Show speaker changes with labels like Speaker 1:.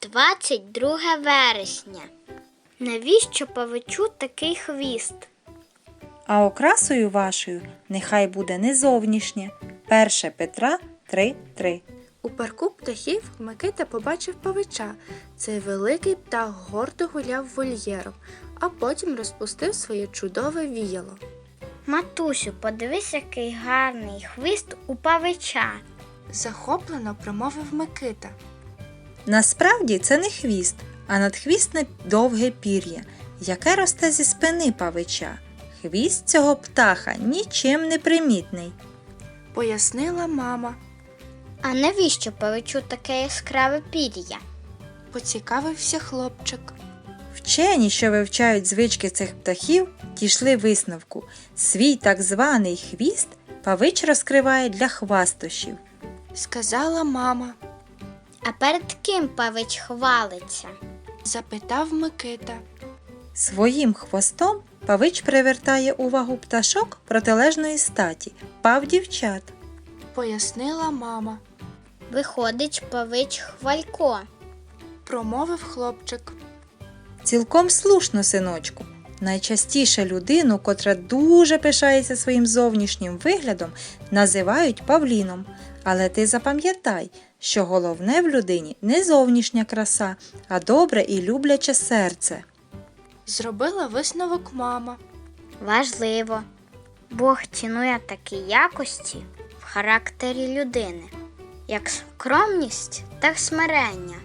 Speaker 1: 22 вересня. Навіщо павичу такий хвіст?
Speaker 2: А окрасою вашою нехай буде не зовнішнє. 1 Петра 3:3.
Speaker 3: У парку птахів Микита побачив павича. Цей великий птах гордо гуляв вольєром, а потім розпустив своє чудове віяло.
Speaker 1: Матусю, подивись, який гарний хвіст у павича.
Speaker 3: Захоплено промовив Микита.
Speaker 2: Насправді це не хвіст, а надхвістне довге пір'я, яке росте зі спини павича. Хвіст цього птаха нічим не примітний.
Speaker 3: Пояснила мама.
Speaker 1: А навіщо павичу таке яскраве пір'я?
Speaker 3: Поцікавився хлопчик.
Speaker 2: Вчені, що вивчають звички цих птахів, дійшли висновку. Свій так званий хвіст павич розкриває для хвастощів.
Speaker 3: Сказала мама.
Speaker 1: А перед ким павич хвалиться?
Speaker 3: Запитав Микита.
Speaker 2: Своїм хвостом павич привертає увагу пташок протилежної статі – павдівчат.
Speaker 3: Пояснила мама.
Speaker 1: Виходить, павич хвалько.
Speaker 3: Промовив хлопчик.
Speaker 2: Цілком слушно, синочку. Найчастіше людину, котра дуже пишається своїм зовнішнім виглядом, називають павліном. Але ти запам'ятай, що головне в людині не зовнішня краса, а добре і любляче серце.
Speaker 3: Зробила висновок мама.
Speaker 1: Важливо. Бог цінує такі якості в характері людини, як скромність та смирення.